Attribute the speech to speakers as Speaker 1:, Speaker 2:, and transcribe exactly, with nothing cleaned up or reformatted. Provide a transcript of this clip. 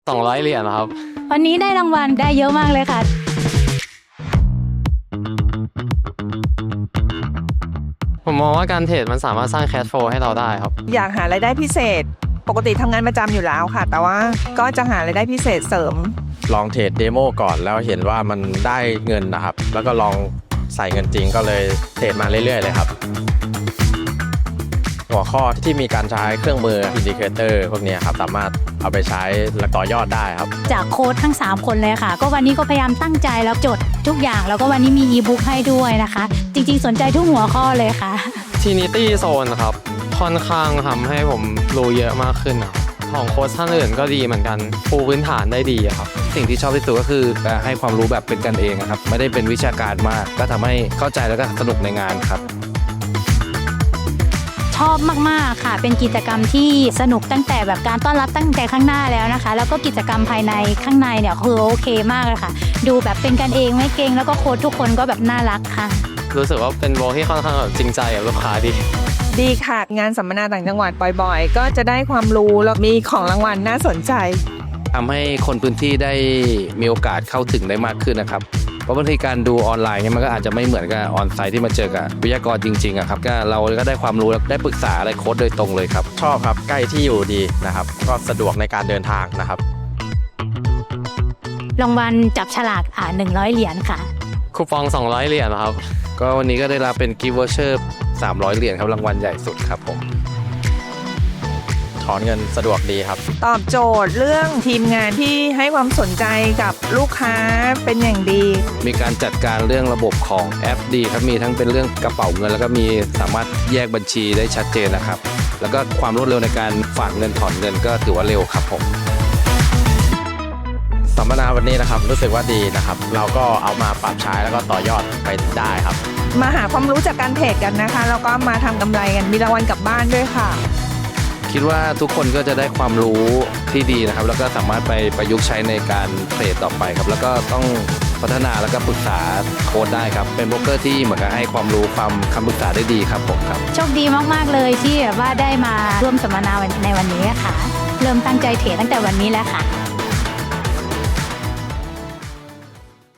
Speaker 1: สองร้อยเหรียญครับ
Speaker 2: วันนี้ได้รางวัลได้เยอะมากเลยค่ะ
Speaker 1: ผมมองว่าการเทรดมันสามารถสร้างแคชโฟลให้เราได้ครับ
Speaker 3: อยากหารายได้พิเศษปกติทำงานประจำอยู่แล้วค่ะแต่ว่าก็จะหารายได้พิเศษเสริม
Speaker 4: ลองเทรดเดโมก่อนแล้วเห็นว่ามันได้เงินนะครับแล้วก็ลองใส่เงินจริงก็เลยเทรดมาเรื่อยๆเลยครับหัวข้อที่มีการใช้เครื่องมืออินดิเคเตอร์พวกนี้ครับสามารถเอาไปใช้และต่อยอดได้ครับ
Speaker 2: จากโค้ชทั้งสามคนเลยค่ะก็วันนี้ก็พยายามตั้งใจแล้วจดทุกอย่างแล้วก็วันนี้มีอีบุ๊กให้ด้วยนะคะจริงๆสนใจทุกหัวข้อเลยค่ะ
Speaker 1: Trinity Zone ครับค่อนข้างทำให้ผมรู้เยอะมากขึ้นครับของโค้ชท่านอื่นก็ดีเหมือนกันปูพื้นฐานได้ดีครับ
Speaker 5: สิ่งที่ชอบที่สุดก็คือให้ความรู้แบบเป็นกันเองครับไม่ได้เป็นวิชาการมากก็ทำให้เข้าใจแล้วก็สนุกในงานครับ
Speaker 2: ชอบมากๆค่ะเป็นกิจกรรมที่สนุกตั้งแต่แบบการต้อนรับตั้งแต่ข้างหน้าแล้วนะคะแล้วก็กิจกรรมภายในข้างในเนี่ยคือโอเคมากเลยค่ะดูแบบเป็นกันเองไม่เกรงแล้วก็โค้ชทุกคนก็แบบน่ารักค่ะ
Speaker 1: รู้สึกว่าเป็นโบที่ค่อนข้างจริงใจกับลูกค้าดี
Speaker 3: ดีค่ะงานสัมมนาต่างจังหวัดบ่อยๆก็จะได้ความรู้แล้วมีของรางวัลน่าสนใจ
Speaker 5: ทำให้คนพื้นที่ได้มีโอกาสเข้าถึงได้มากขึ้นนะครับเพราะบางทีการดูออนไลน์เนี่ยมันก็อาจจะไม่เหมือนกับออนไซต์ที่มาเจอกับวิทยากรจริงๆอะครับก็เราก็ได้ความรู้และได้ปรึกษาอะไรโค้ชโดยตรงเลยครับ
Speaker 4: ชอบครับใกล้ที่อยู่ดีนะครับก็สะดวกในการเดินทางนะครับ
Speaker 2: รางวัลจับฉลากอ่าหนึ่งร้อยเหรียญค่ะ
Speaker 1: คูปองสองร้อยเหรียญครับ
Speaker 5: ก็วันนี้ก็ได้รับเป็นกิฟต์วอเชอร์สามร้อยเหรียญครับรางวัลใหญ่สุดครับผม
Speaker 4: ถอนเงินสะดวกดีครับ
Speaker 3: ตอบโจทย์เรื่องทีมงานที่ให้ความสนใจกับลูกค้าเป็นอย่างดี
Speaker 5: มีการจัดการเรื่องระบบของแอปดีครับมีทั้งเป็นเรื่องกระเป๋าเงินแล้วก็มีสามารถแยกบัญชีได้ชัดเจนนะครับแล้วก็ความรวดเร็วในการฝากเงินถอนเงินก็ถือว่าเร็วครับผม
Speaker 4: สัมมนาวันนี้นะครับรู้สึกว่าดีนะครับเราก็เอามาปรับใช้แล้วก็ต่อยอดไปได้ครับ
Speaker 3: มาหาความรู้จากการเทรดกันนะคะแล้วก็มาทำกำไรกันมีรางวัลกลับบ้านด้วยค่ะ
Speaker 5: คิดว่าทุกคนก็จะได้ความรู้ที่ดีนะครับแล้วก็สามารถไปประยุกต์ใช้ในการเทรดต่อไปครับแล้วก็ต้องพัฒนาแล้วก็ปรึกษาโค้ชได้ครับเป็นโบรกเกอร์ที่เหมือนกับให้ความรู้ความคำปรึกษาได้ดีครับผมครับ
Speaker 2: โชคดีมากๆเลยที่แบบว่าได้มาร่วมสัมมนาในวันนี้ค่ะเริ่มตั้งใจเทรดตั้งแต่วันนี้แล้วค่ะ